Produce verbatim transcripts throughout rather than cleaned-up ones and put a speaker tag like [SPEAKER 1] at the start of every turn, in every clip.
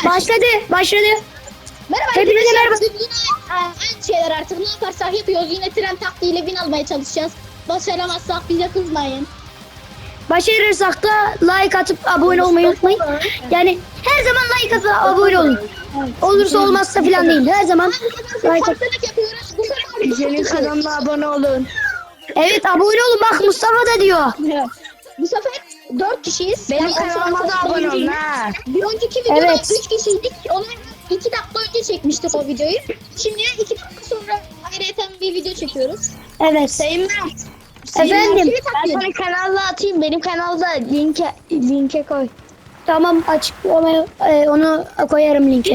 [SPEAKER 1] Başladı, başladı.
[SPEAKER 2] Merhaba
[SPEAKER 1] Hepinize
[SPEAKER 2] arkadaşlar.
[SPEAKER 1] merhaba.
[SPEAKER 2] Bugün yine e, aynı şeyler artık ne yaparsak yapıyoruz. Yine tren taktiğiyle win almaya çalışacağız. Başaramazsak bize kızmayın.
[SPEAKER 1] Başarırsak da like atıp abone olmayı unutmayın. Yani her zaman like atıp abone olun. Olursa olmazsa falan değil. Her zaman
[SPEAKER 2] Bir
[SPEAKER 1] like at.
[SPEAKER 2] farklılık yapıyoruz. Bu sefer
[SPEAKER 3] Senin kanalına abone olun.
[SPEAKER 1] Evet, abone olun. Bak Mustafa da diyor.
[SPEAKER 2] Bu sefer dört kişiyiz.
[SPEAKER 3] Benim
[SPEAKER 2] Yani
[SPEAKER 3] kanalıma da
[SPEAKER 2] aslında
[SPEAKER 3] abone olun
[SPEAKER 2] değiliz.
[SPEAKER 3] ha.
[SPEAKER 2] Bir önceki videoda
[SPEAKER 1] Evet.
[SPEAKER 2] üç kişiydik. Onu iki dakika önce çekmiştik o videoyu. Şimdi iki dakika sonra ayrıca bir video çekiyoruz.
[SPEAKER 1] Evet.
[SPEAKER 3] Sayın Mert.
[SPEAKER 1] Efendim.
[SPEAKER 2] Seni
[SPEAKER 3] Ben
[SPEAKER 2] takip
[SPEAKER 3] sana kanalla atayım. Benim kanalda linke linke koy.
[SPEAKER 1] Tamam, açıklamaya e, onu koyarım linke.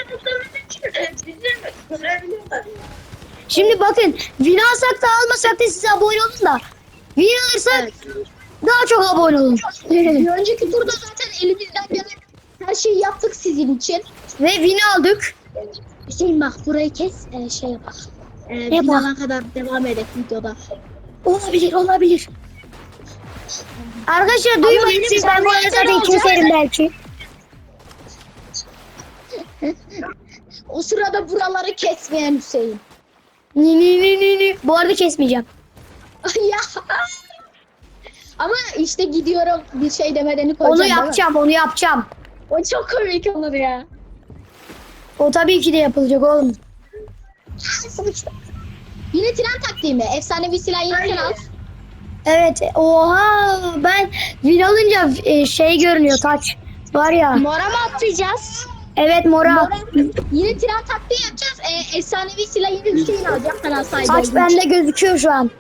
[SPEAKER 1] Şimdi bakın, win alsak da almasak da size abone olun da. Win alırsak daha çok abone olun.
[SPEAKER 2] Bir önceki turda zaten elimizden gelen her şeyi yaptık sizin için.
[SPEAKER 1] Ve win aldık.
[SPEAKER 2] Hüseyin bak burayı kes e, şey yap. E,
[SPEAKER 1] Yapalım.
[SPEAKER 2] finala kadar devam edelim videoda.
[SPEAKER 1] Olabilir, olabilir. Arkadaşlar duymayın
[SPEAKER 2] benim
[SPEAKER 1] siz, ben bu arada zaten
[SPEAKER 2] olacak.
[SPEAKER 1] keserim belki.
[SPEAKER 2] O sırada buraları kesmeyen Hüseyin.
[SPEAKER 1] Ni ni ni ni ni. Bu arada kesmeyeceğim.
[SPEAKER 2] Ay ya. Ama işte gidiyorum bir şey demeden koyacağım.
[SPEAKER 1] Onu
[SPEAKER 2] değil mi?
[SPEAKER 1] yapacağım, onu yapacağım.
[SPEAKER 2] O çok komik olur ya.
[SPEAKER 1] O tabii ki de yapılacak oğlum.
[SPEAKER 2] Yine tren taktiği mi? Efsanevi silah yine sen al.
[SPEAKER 1] Evet, oha, ben win alınca e, şey görünüyor, taç. Var ya.
[SPEAKER 3] Mora mı atlayacağız?
[SPEAKER 1] Evet, mora.
[SPEAKER 2] Mora- Yine tren taktiği yapacağız. E, efsanevi silah yine Hüseyin alacak. Kanal sahibi
[SPEAKER 1] Taç
[SPEAKER 2] olduğu için.
[SPEAKER 1] bende gözüküyor şu an.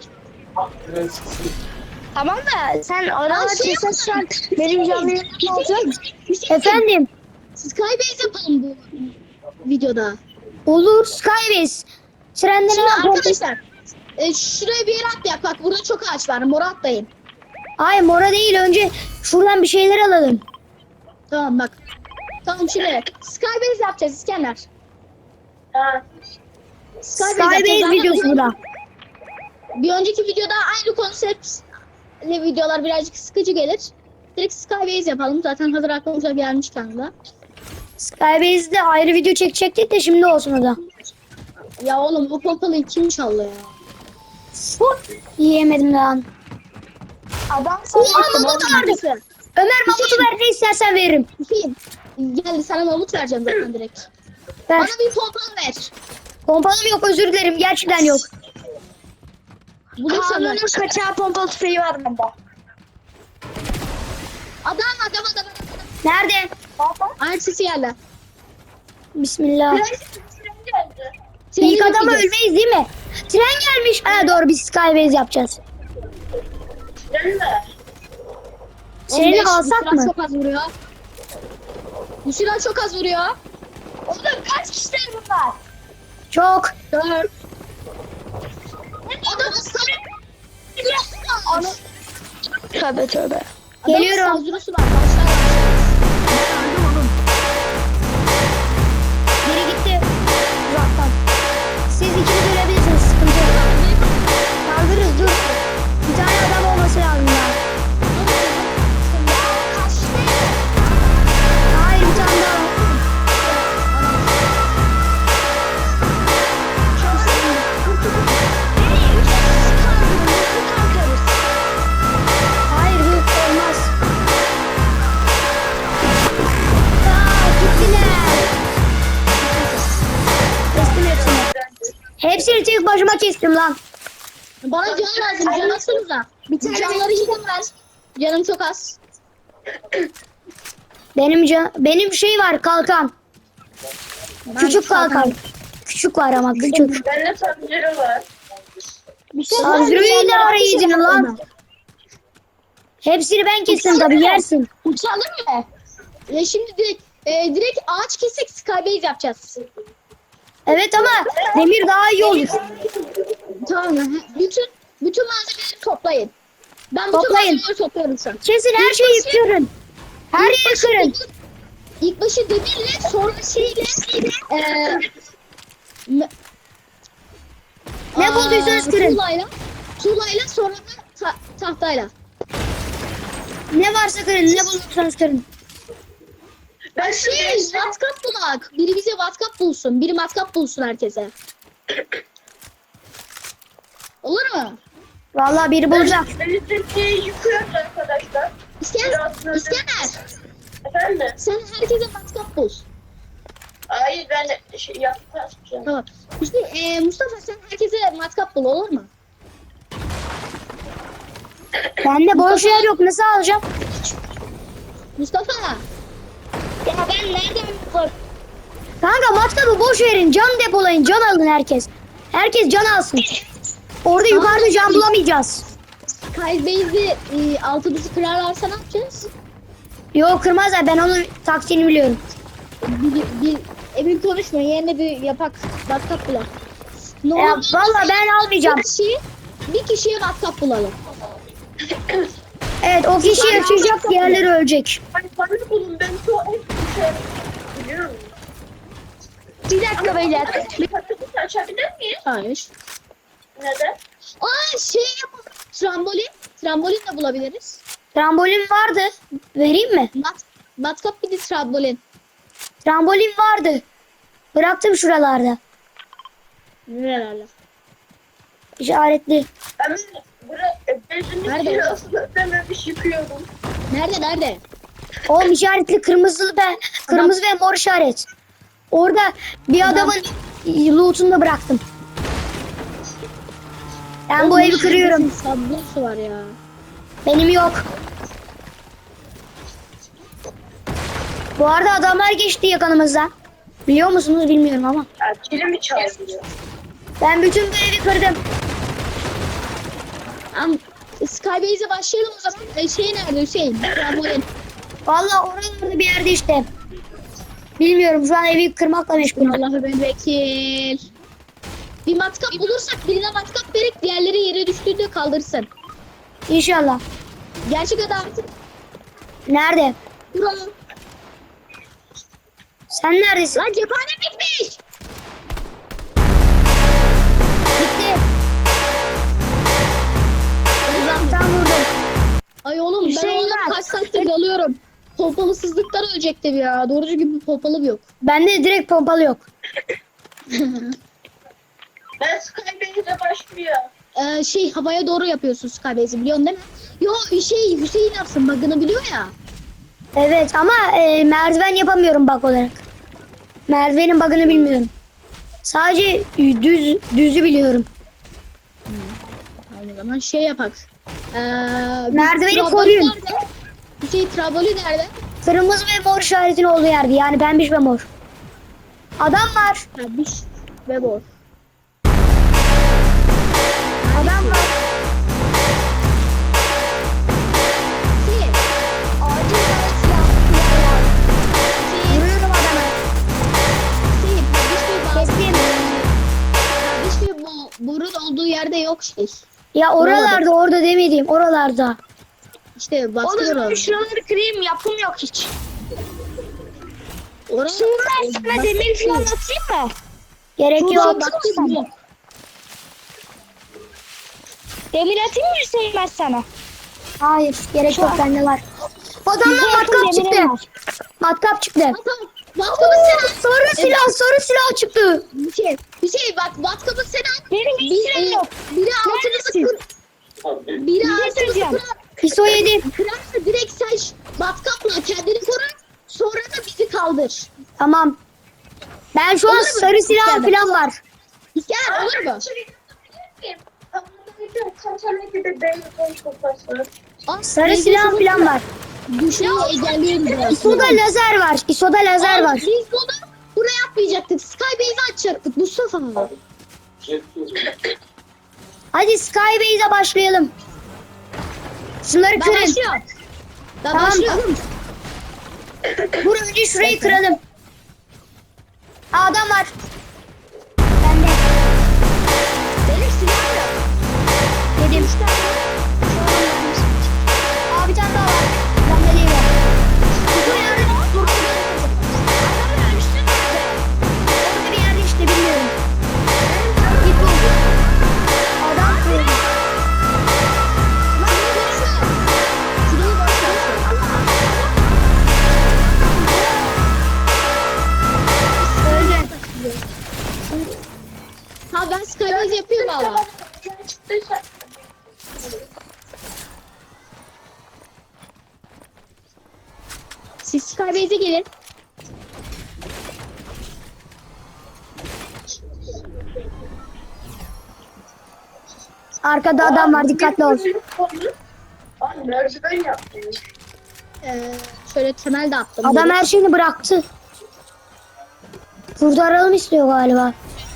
[SPEAKER 3] Tamam da sen oralar
[SPEAKER 2] şey
[SPEAKER 3] çeksen şu an benim canlı yayınım olacak.
[SPEAKER 2] Hüseyin,
[SPEAKER 1] Efendim,
[SPEAKER 2] Skybase yapalım bu videoda.
[SPEAKER 1] olur, Skybase. Trende ne
[SPEAKER 2] Şimdi
[SPEAKER 1] yapalım?
[SPEAKER 2] arkadaşlar e, şuraya bir yere atlayak. Bak burada çok ağaç var. Mora atlayın.
[SPEAKER 1] Hayır, mora değil, önce şuradan bir şeyler alalım.
[SPEAKER 2] Tamam bak. Tamam şimdi Skybase yapacağız İskender.
[SPEAKER 1] Skybase
[SPEAKER 2] yapacağız. Zaten
[SPEAKER 1] videosu
[SPEAKER 2] bir-
[SPEAKER 1] bu da.
[SPEAKER 2] Bir önceki videoda aynı konseptle videolar birazcık sıkıcı gelir. Direkt Skybase yapalım. Zaten hazır aklımıza gelmiş kanalda.
[SPEAKER 1] Skybase'de ayrı video çekecektik de şimdi olsun o da.
[SPEAKER 2] Ya oğlum bu pompalıyı kim çaldı ya?
[SPEAKER 1] Yiyemedim lan.
[SPEAKER 3] Adam
[SPEAKER 1] Ulan
[SPEAKER 3] sana
[SPEAKER 1] mamut vardı. Ömer mamutu ver, ne istersen veririm.
[SPEAKER 2] Hüseyin geldi sana mamut vereceğim zaten direkt.
[SPEAKER 1] Ver.
[SPEAKER 2] Bana bir pompalı ver.
[SPEAKER 1] Pompalım yok, özür dilerim, gerçekten yok.
[SPEAKER 2] Bulursam ver.
[SPEAKER 3] Kanunun kaçağı pompalı tüfeği var bende.
[SPEAKER 2] Adam adam adam. adam.
[SPEAKER 1] Nerede?
[SPEAKER 2] Ayak sesi geldi.
[SPEAKER 1] Bismillah.
[SPEAKER 2] Treni
[SPEAKER 1] İlk adamı
[SPEAKER 2] bekleyeceğiz.
[SPEAKER 1] ölmeyiz değil mi? Tren gelmiş. Ha doğru, biz Skybase yapacağız.
[SPEAKER 2] on
[SPEAKER 1] Treni
[SPEAKER 2] beş,
[SPEAKER 1] alsak
[SPEAKER 2] bu silah
[SPEAKER 1] mı?
[SPEAKER 2] çok az vuruyor. Bu silah çok az vuruyor. Oğlum kaç kişiler bunlar?
[SPEAKER 1] Çok.
[SPEAKER 2] Dört. Adamın sarı. Ana.
[SPEAKER 3] Tövbe tövbe.
[SPEAKER 1] Geliyorum.
[SPEAKER 2] Adamın saldırısı var. Başlar.
[SPEAKER 1] Biri gitti. Uzaktan. Siz ikiniz ölebilirsiniz. Sıkıntı yok. Kaldırırız, dur. Bir tane adam olması lazım ya. Hayır, bir tane daha. Hayır, bu olmaz. Aa, gittiler. Kestim hepsini. Hepsini tek başıma kestim lan.
[SPEAKER 2] Bana can lazım. Can atsanıza. Bir tane canları yiyeceğim ben. Canım çok az.
[SPEAKER 1] Benim can, benim şey var, kalkan. Küçük kalkan. Küçük var ama küçük.
[SPEAKER 4] Bende sancıları var.
[SPEAKER 1] Sandro'yu ne ara yedin lan? Hepsini ben kestim tabii, yersin.
[SPEAKER 2] Uçalım mı? E şimdi direkt, e, direkt ağaç kesek Skybase yapacağız.
[SPEAKER 1] Evet ama demir daha iyi olur.
[SPEAKER 2] Tamam mı? Bütün bütün malzemeleri toplayın. Ben bütün
[SPEAKER 1] Toplayın.
[SPEAKER 2] malzemeleri topluyorum şu an.
[SPEAKER 1] Kesin her şeyi yıkıyorum. Her
[SPEAKER 2] İlk
[SPEAKER 1] yeri
[SPEAKER 2] başı
[SPEAKER 1] kırın.
[SPEAKER 2] demir- İlk başı demirle sonra şeyle e, me-
[SPEAKER 1] Ne
[SPEAKER 2] Aa,
[SPEAKER 1] bulduysanız kırın.
[SPEAKER 2] Tuğlayla, tuğlayla sonra da ta- tahtayla.
[SPEAKER 1] Ne varsa kırın, ne bulursanız kırın.
[SPEAKER 2] Ben şey, matkap bak. Biri bize matkap bulsun. Biri matkap bulsun herkese. Olur mu?
[SPEAKER 1] Vallahi biri bulacak.
[SPEAKER 4] Elektriği yıkıyoruz arkadaşlar.
[SPEAKER 2] İskender,
[SPEAKER 4] Biraz
[SPEAKER 2] İskender.
[SPEAKER 4] Efendim?
[SPEAKER 2] Sen herkese matkap bul.
[SPEAKER 4] Hayır ben şey yapacağım.
[SPEAKER 2] Tamam. İşte e, Mustafa sen herkese matkap bul olur mu?
[SPEAKER 1] Bende boş yer yok. Nasıl alacağım?
[SPEAKER 2] Mustafa.
[SPEAKER 3] Ya ben nereden bak?
[SPEAKER 1] Kanka matkabı boş verin. Can depolayın. Can alın herkes. Herkes can alsın. Orada yukarıda can bulamayacağız.
[SPEAKER 2] Skybase'i e, altımızı kırarlarsa ne yapacağız?
[SPEAKER 1] Yok kırmazlar. Ben onun taktiğini biliyorum.
[SPEAKER 2] Bir, bir, emin konuşma yerine bir yapak matkap bulalım. Ne
[SPEAKER 1] Ya,
[SPEAKER 2] olur,
[SPEAKER 1] vallahi ben almayacağım.
[SPEAKER 2] bir kişi, bir kişiye matkap bulalım.
[SPEAKER 1] Evet o kişi yaşayacak. Diğerleri ölecek.
[SPEAKER 4] Hani bana bulun ben çok hep bir şey biliyorum.
[SPEAKER 3] Bir dakika beyler.
[SPEAKER 4] Bir paketi açabilir miyiz?
[SPEAKER 2] Hayır.
[SPEAKER 4] Neden?
[SPEAKER 2] Aa şey yapalım. Trambolin. Trambolin de bulabiliriz.
[SPEAKER 1] Trambolin vardı. Vereyim mi?
[SPEAKER 2] Mat, matkap bir de trambolin.
[SPEAKER 1] Trambolin vardı. Bıraktım şuralarda.
[SPEAKER 2] Nerelerde?
[SPEAKER 1] İşaretli.
[SPEAKER 4] Ben buraya bezini
[SPEAKER 2] Nerede?
[SPEAKER 4] kirasını ödememiş yıkıyorum.
[SPEAKER 2] Nerede nerede?
[SPEAKER 1] Oğlum işaretli kırmızı ve kırmızı ve mor işaret. Orada bir adamın loot'unu da bıraktım. Ben bu evi kırıyorum.
[SPEAKER 2] Sablosu var ya.
[SPEAKER 1] Benim yok. Bu arada adamlar geçti yakınımızdan. Biliyor musunuz bilmiyorum ama.
[SPEAKER 4] Ya kilimi çalıyor.
[SPEAKER 1] Ben bütün bu evi kırdım.
[SPEAKER 2] Am Skybase'e başlayalım o zaman. E, şey nerede Hüseyin? Trambolin.
[SPEAKER 1] Vallahi oralarda bir yerde işte. Bilmiyorum şu an evi kırmakla meşgulüm.
[SPEAKER 2] Allah'ı ben vekil. Bir matkap bulursak birine matkap verip diğerleri yere düştüğünde kaldırsın.
[SPEAKER 1] İnşallah.
[SPEAKER 2] Gerçek adam.
[SPEAKER 1] Nerede?
[SPEAKER 2] Vuralım.
[SPEAKER 1] Sen neredesin?
[SPEAKER 2] Lan cephane bitmiş.
[SPEAKER 1] Gitti. Uzaktan vurdum.
[SPEAKER 2] Ay oğlum ben
[SPEAKER 3] Hüseyin
[SPEAKER 2] onları
[SPEAKER 3] bak.
[SPEAKER 2] kaç saattir dalıyorum. Pompalısızlıktan ölecektim ya. Doğrucu gibi pompalım yok.
[SPEAKER 1] Bende direkt pompalı yok.
[SPEAKER 4] Ben Skybase'e başlıyor.
[SPEAKER 2] Ee, şey havaya doğru yapıyorsun Skybase'i biliyorsun değil mi? Yo şey Hüseyin yapsın bug'ını biliyor ya.
[SPEAKER 1] Evet ama e, merdiven yapamıyorum bug olarak. Merdivenin bug'ını bilmiyorum. Sadece düz düzü biliyorum.
[SPEAKER 2] O zaman şey yapak. Ee, biz
[SPEAKER 1] Merdiveni
[SPEAKER 2] trambolin
[SPEAKER 1] koruyun.
[SPEAKER 2] nerede? Hüseyin trambolin nerede?
[SPEAKER 1] Kırmızı ve mor işaretin olduğu yerde. Yani pembiş ve mor. Adam var.
[SPEAKER 2] Ha, biş ve bor.
[SPEAKER 1] Adam var.
[SPEAKER 2] Hüseyin.
[SPEAKER 3] Acil bana silah silah.
[SPEAKER 2] Hüseyin.
[SPEAKER 1] Vuruyorum adama.
[SPEAKER 2] Hüseyin. Kardeş ve bor.
[SPEAKER 1] Kestim.
[SPEAKER 2] Kardeş ve bo borun olduğu yerde yok şey.
[SPEAKER 1] Ya oralarda orada demediğim oralarda.
[SPEAKER 2] İşte baskı
[SPEAKER 3] Oğlum
[SPEAKER 2] var.
[SPEAKER 3] ben şuraları kırayım yapım yok hiç.
[SPEAKER 2] Orada
[SPEAKER 3] Şimdi ben sana demir falan atayım mı?
[SPEAKER 1] Gerek
[SPEAKER 2] Şurada
[SPEAKER 1] yok.
[SPEAKER 2] baskı var.
[SPEAKER 3] Demir atayım mı Hüseyin ben sana?
[SPEAKER 1] Hayır gerek yok bende var. Adamdan
[SPEAKER 3] Bize yakın
[SPEAKER 1] matkap çıktı.
[SPEAKER 3] demirim var.
[SPEAKER 1] Matkap çıktı.
[SPEAKER 2] Tamam. Matkabı sen al.
[SPEAKER 1] Sarı silah sarı silah çıktı.
[SPEAKER 2] Hüseyin. Hüseyin bak matkabı sen al.
[SPEAKER 3] Benim hiç
[SPEAKER 2] Bir,
[SPEAKER 3] silahım
[SPEAKER 2] e,
[SPEAKER 3] yok.
[SPEAKER 2] biri altımızı kır.
[SPEAKER 3] Neredesin?
[SPEAKER 2] Biri
[SPEAKER 3] Bir şey
[SPEAKER 2] altımızı
[SPEAKER 3] söyleyeceğim.
[SPEAKER 2] kırar.
[SPEAKER 1] İso yedi.
[SPEAKER 2] Kırarsa direkt sen ş- matkapla kendini koru. Sonra da bizi kaldır.
[SPEAKER 1] Tamam. Ben şu an
[SPEAKER 2] Olur mu?
[SPEAKER 1] sarı silah
[SPEAKER 2] İskender.
[SPEAKER 1] falan var.
[SPEAKER 2] İskender olur mu? Aa,
[SPEAKER 1] Sarı
[SPEAKER 2] biz
[SPEAKER 1] silah
[SPEAKER 2] de
[SPEAKER 1] falan var.
[SPEAKER 2] Düşmeyi engelliyoruz biraz.
[SPEAKER 1] İso'da lazer var. İso'da lazer
[SPEAKER 2] Aa,
[SPEAKER 1] var.
[SPEAKER 2] Biz bunu buraya atmayacaktık. Skybase'i açacaktık Mustafa.
[SPEAKER 1] Hadi Skybase'e başlayalım. Şunları
[SPEAKER 2] Ben
[SPEAKER 1] kırın.
[SPEAKER 2] başlıyorum. Ben
[SPEAKER 1] Tamam.
[SPEAKER 2] başlıyorum.
[SPEAKER 1] Dur önce şurayı kıralım. Aa, adam var. Bende.
[SPEAKER 2] Benim silahım yok.
[SPEAKER 1] Dedim. Aa bir tane daha var. Bende değil o. Bu yerde dur.
[SPEAKER 3] Adamın ölmüşsün nerede?
[SPEAKER 1] Orada bir yerde işte bilmiyorum. Git bul. Adam kırdı.
[SPEAKER 2] Lan ne diyorsun? Şurayı boş ver. Abi ben Skybase yapıyorum valla.
[SPEAKER 4] Çıktıysa.
[SPEAKER 2] Siz Skybase'e gelin.
[SPEAKER 1] Arkada adam var, dikkatli ol.
[SPEAKER 4] Ay merdiven yaptım.
[SPEAKER 2] Ee, şöyle temel de attım.
[SPEAKER 1] Adam her şeyini bıraktı. Kurtaralım istiyor galiba.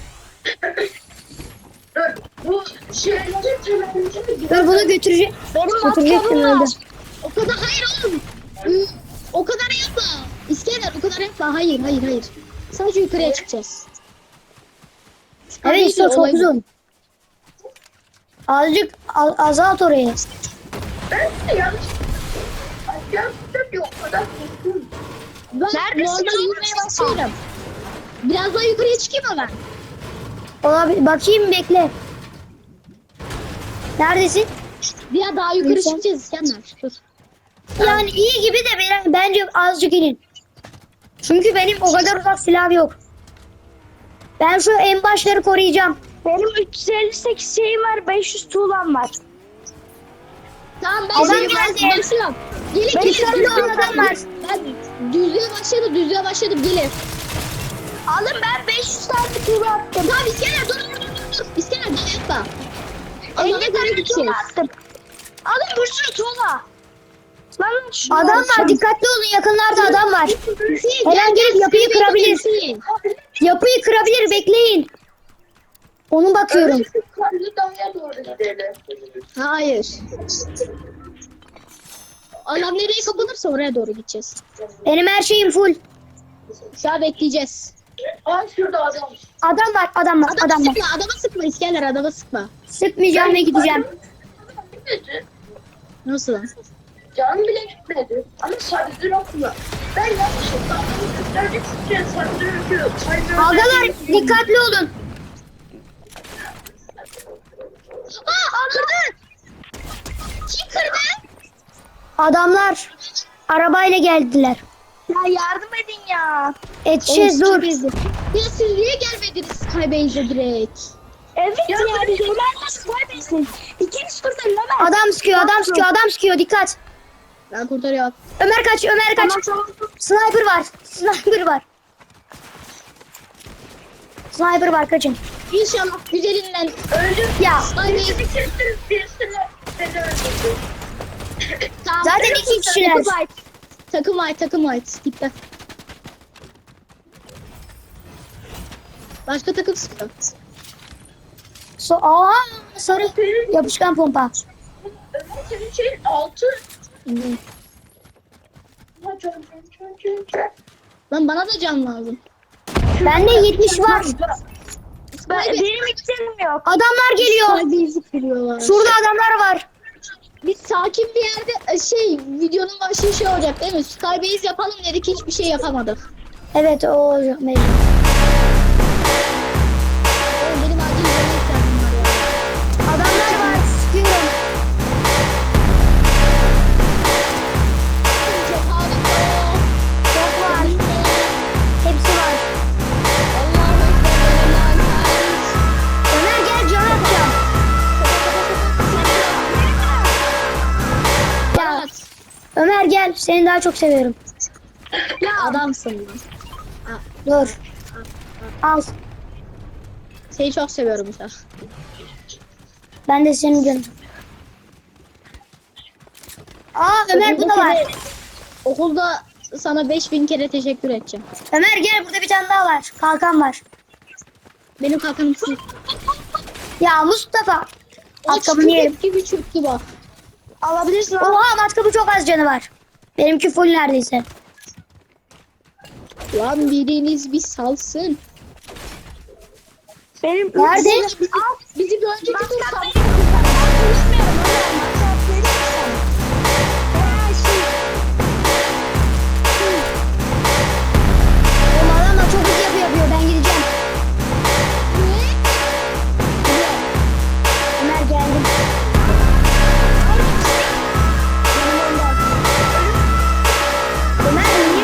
[SPEAKER 4] Dur bu şeyleri temelimizi
[SPEAKER 1] Dur bunu götürecek.
[SPEAKER 3] Benim
[SPEAKER 1] Götürecektim
[SPEAKER 3] matkabım var.
[SPEAKER 1] öldü.
[SPEAKER 2] O kadar hayır oğlum. Hı, O kadar yapma. İskender o kadar yapma. Hayır hayır hayır. Sadece yukarıya çıkacağız.
[SPEAKER 1] Evet işte çok
[SPEAKER 2] Olay bu.
[SPEAKER 1] uzun. Azıcık a- azalt orayı.
[SPEAKER 4] Ben de yanlış. Ay yaptım yok o kadar korktum.
[SPEAKER 2] Ben
[SPEAKER 3] Neredesin
[SPEAKER 2] normal
[SPEAKER 3] oğlum?
[SPEAKER 2] yürümeye başlıyorum. Biraz daha yukarıya çıkayım mı ben?
[SPEAKER 1] Olabilir. Bakayım bekle. Neredesin?
[SPEAKER 2] Bir daha yukarı
[SPEAKER 1] Neyse.
[SPEAKER 2] çıkacağız İskender. Dur.
[SPEAKER 1] Yani iyi gibi de ben- bence azıcık inin. Çünkü benim o kadar uzak silahım yok. Ben şu en başları koruyacağım.
[SPEAKER 3] Benim üç yüz elli sekiz şeyim var, beş yüz tuğlam var.
[SPEAKER 2] Tamam ben
[SPEAKER 1] Adam
[SPEAKER 2] seni
[SPEAKER 1] geldi.
[SPEAKER 2] başlıyorum. Gelin
[SPEAKER 1] Ben
[SPEAKER 2] gelin.
[SPEAKER 1] içeride
[SPEAKER 2] gelin.
[SPEAKER 1] adam var.
[SPEAKER 2] Ben düzlüğe başladım düzlüğe başladım gelin.
[SPEAKER 3] Alın, ben beş yüz tane tuğla attım.
[SPEAKER 2] Tamam İskender dur dur dur dur. dur. İskender gel yapma. Alana
[SPEAKER 3] elli
[SPEAKER 2] göre
[SPEAKER 3] tane tuğla
[SPEAKER 2] gideceğiz.
[SPEAKER 3] attım. Alın bir sürü tuğla. Lan şunu
[SPEAKER 1] Adam var,
[SPEAKER 3] alacağım.
[SPEAKER 1] dikkatli olun, yakınlarda adam var.
[SPEAKER 2] Hüseyin,
[SPEAKER 1] Her an
[SPEAKER 2] gel,
[SPEAKER 1] gelip
[SPEAKER 2] gel,
[SPEAKER 1] yapıyı
[SPEAKER 2] Hüseyin,
[SPEAKER 1] kırabilir.
[SPEAKER 2] Hüseyin.
[SPEAKER 1] Yapıyı kırabilir, bekleyin. Onu bakıyorum.
[SPEAKER 4] Önce şu karlı dağya doğru gidelim.
[SPEAKER 2] Hayır. Alan nereye kapanırsa oraya doğru gideceğiz.
[SPEAKER 1] Benim her şeyim full.
[SPEAKER 2] Şu an bekleyeceğiz.
[SPEAKER 4] Ay şurada adam.
[SPEAKER 1] Adam var, adam var,
[SPEAKER 2] Adam
[SPEAKER 1] adam var.
[SPEAKER 2] sıkma, adama sıkma İskender, adama sıkma.
[SPEAKER 1] Sıkmayacağım ve gideceğim.
[SPEAKER 4] Gitmedi.
[SPEAKER 2] Nasıl lan?
[SPEAKER 4] Canım bile gitmedi. Ama sarıdır okula. Ben yanlışlıkla adamı göstermek için sarıdır okula.
[SPEAKER 1] Agalar dikkatli olun.
[SPEAKER 2] Aa, kırdı! Kim kırdı?
[SPEAKER 1] Adamlar arabayla geldiler.
[SPEAKER 3] Ya yardım edin ya.
[SPEAKER 1] Yetişeceğiz,
[SPEAKER 2] Oğlum,
[SPEAKER 1] dur.
[SPEAKER 2] siz- Ya siz niye gelmediniz Skybase'e direkt?
[SPEAKER 3] Evet ya, biz Ömer'le Skybase'in. İkiniz kurtarın Ömer.
[SPEAKER 1] Adam sıkıyor, adam sıkıyor, adam sıkıyor. Dikkat.
[SPEAKER 2] Ben kurtarıyorum.
[SPEAKER 1] Ömer kaç, Ömer kaç.
[SPEAKER 3] Tamam, tamam.
[SPEAKER 1] Sniper var, sniper var. Sniper var, kaçın.
[SPEAKER 2] İnşallah güzelinden
[SPEAKER 4] Öldüm.
[SPEAKER 1] Ya
[SPEAKER 2] Skybase'e
[SPEAKER 4] Birisini birisini beni öldürdü.
[SPEAKER 2] tamam.
[SPEAKER 1] zaten iki kişiler.
[SPEAKER 2] Takım ait. Takım ait, takım ait. Gitti. Başka takım sıkıyor.
[SPEAKER 1] So Aa, sarı yapışkan pompa.
[SPEAKER 4] Ömer senin şeyin altı.
[SPEAKER 2] Hı.
[SPEAKER 4] Ha, can, can, can, can, can.
[SPEAKER 2] Lan bana da can lazım.
[SPEAKER 1] Bende yetmiş var.
[SPEAKER 3] Ben, benim hiç canım yok.
[SPEAKER 1] Adamlar geliyor.
[SPEAKER 2] Skybase'i kırıyorlar.
[SPEAKER 1] Şurada adamlar var.
[SPEAKER 2] Biz sakin bir yerde e, şey videonun başı şey olacak değil mi? Skybase yapalım dedik hiçbir şey yapamadık.
[SPEAKER 1] Evet, o olacak mecbur.
[SPEAKER 2] Oğlum benim acil yemeğe ihtiyacım var ya.
[SPEAKER 1] Adamlar var, sıkıyorum.
[SPEAKER 2] Çok harika.
[SPEAKER 1] Çok var. Hepsi var.
[SPEAKER 2] Allah'ım ekber.
[SPEAKER 1] Ömer gel, can atacağım. Ya Ömer gel, seni daha çok seviyorum.
[SPEAKER 2] Ya adamsın lan.
[SPEAKER 1] Dur. Al.
[SPEAKER 2] Seni çok seviyorum Uşak.
[SPEAKER 1] Ben de senin canım. Aa Ömer bu da var.
[SPEAKER 2] Okulda sana beş bin kere teşekkür edeceğim.
[SPEAKER 1] Ömer gel, burada bir tane daha var. Kalkan var.
[SPEAKER 2] Benim kalkanım sil.
[SPEAKER 1] Ya Mustafa.
[SPEAKER 2] O
[SPEAKER 1] Matkabını yerim.
[SPEAKER 2] çürük gibi çürüktü bak.
[SPEAKER 1] Alabilirsin. Oha, matkabı çok az canı var. Benimki full neredeyse.
[SPEAKER 2] Lan biriniz bir salsın.
[SPEAKER 3] Benim
[SPEAKER 1] Nerede?
[SPEAKER 2] Bizi, bizi bir önceki tur
[SPEAKER 3] Matkap
[SPEAKER 2] sal.
[SPEAKER 3] benim kurtarın. Ben konuşmuyorum Ömer. Matkap benim kurtarın. Ya şey.
[SPEAKER 1] Oğlum adamlar çok hızlı yapıyor, yapıyor. Ben gideceğim. Ömer geldim. Ömer niye?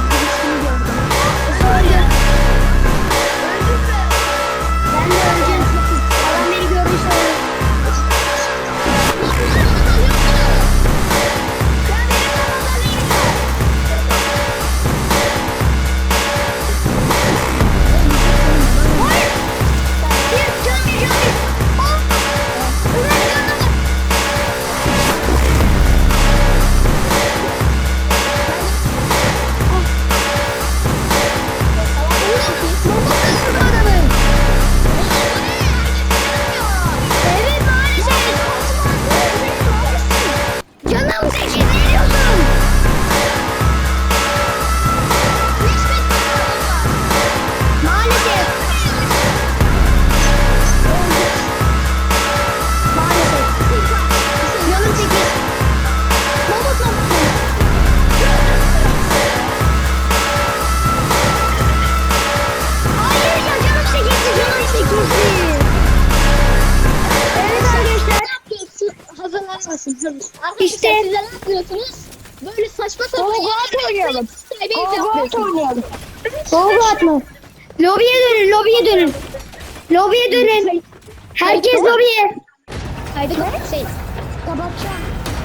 [SPEAKER 1] Öldü. Ben de öleceğim.
[SPEAKER 2] Arkadaşlar
[SPEAKER 1] İşte-
[SPEAKER 2] siz ne yapıyorsunuz? Böyle saçma sapan
[SPEAKER 3] Go-Go oynayalım.
[SPEAKER 2] Skybase
[SPEAKER 3] Go-Go
[SPEAKER 2] yapıyorsunuz.
[SPEAKER 3] oynayalım.
[SPEAKER 1] Soğuk atma. Lobiye dönün, lobiye dönün. Lobiye dönün. Herkes lobiye.
[SPEAKER 2] Kaydı şey.
[SPEAKER 3] Kapatacağım.